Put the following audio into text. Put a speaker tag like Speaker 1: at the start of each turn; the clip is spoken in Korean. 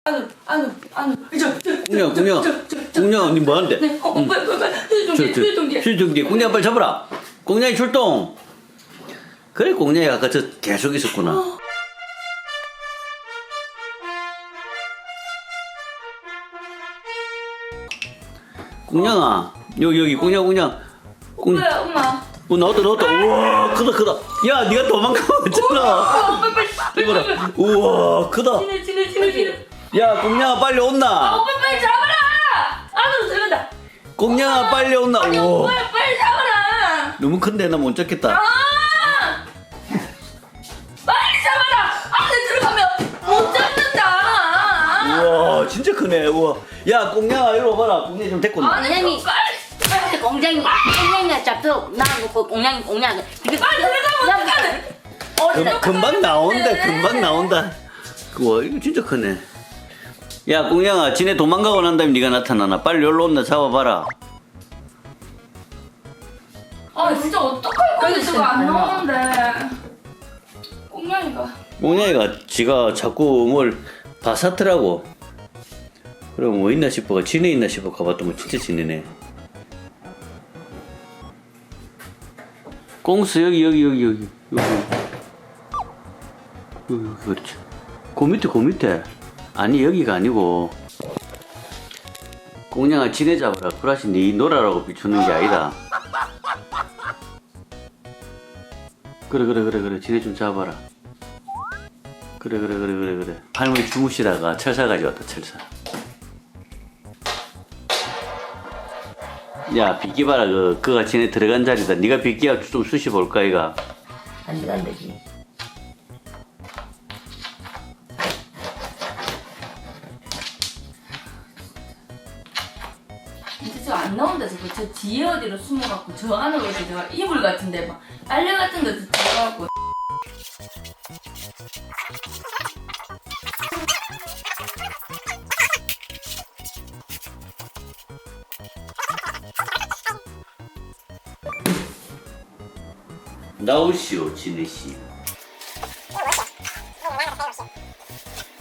Speaker 1: 안으로.
Speaker 2: 공룡, 니 뭐하는데?
Speaker 1: 네, 빨리.
Speaker 2: 수정지, 공룡 빨리 잡아라. 공룡이 출동. 그래, 공룡이 아까 저 계속 있었구나. 공룡아, 여기 공룡.
Speaker 1: 오빠야, 엄마.
Speaker 2: 나왔다. 우와, 크다. 야, 니가 도망가봤잖아.
Speaker 1: 빨리.
Speaker 2: 이봐라. 우와, 크다.
Speaker 1: 지네.
Speaker 2: 야, 공룡아 빨리 온나.
Speaker 1: 오빠 빨리 잡아라. 안으로 들어간다.
Speaker 2: 공룡아 빨리 온나.
Speaker 1: 아니,
Speaker 2: 우와.
Speaker 1: 오빠야 빨리 잡아라.
Speaker 2: 너무 큰데 나 못 잡겠다.
Speaker 1: 빨리 잡아라. 안에 들어가면 못 잡는다.
Speaker 2: 우와, 진짜 크네. 우와. 야, 공룡아 이리 와봐라. 공룡 좀 데리고 나.
Speaker 1: 아니, 빨리.
Speaker 3: 공장이가 잡혀 나놓고 공장
Speaker 1: 빨리 들어가면 어떡하네.
Speaker 2: 금방 나온다. 우와, 이거 진짜 크네. 야, 공룡아, 지네 도망가고 난 다음에 네가 나타나나. 빨리 여기로 온나 잡아봐라.
Speaker 1: 아, 진짜 어떡할 건데 저거 안 나오는데.
Speaker 2: 공룡이가 지가 자꾸 뭘 바사트라고. 그럼 뭐 있나 싶어가 지네 있나 싶어 가봤더니 진짜 지네네. 꽁스 여기 그렇지. 그 밑에 아니 여기가 아니고 공룡아 지네 잡아라. 브라시 네 노라라고 비추는 게 아니다. 그래 지네 좀 잡아라. 그래 할머니 주무시다가 철사 가져왔다. 철사. 야, 비키 봐라. 그가 지네 들어간 자리다. 네가 비키야 좀 쑤시 볼까 이가.
Speaker 3: 안 되지.
Speaker 1: 진짜 저거 안 나온다 저거. 저 뒤에 어디로 숨어갖고 저 안으로 이렇게 저 이불 같은데 막 빨래 같은 데서 들어가고.
Speaker 2: 나오시오, 지네 씨.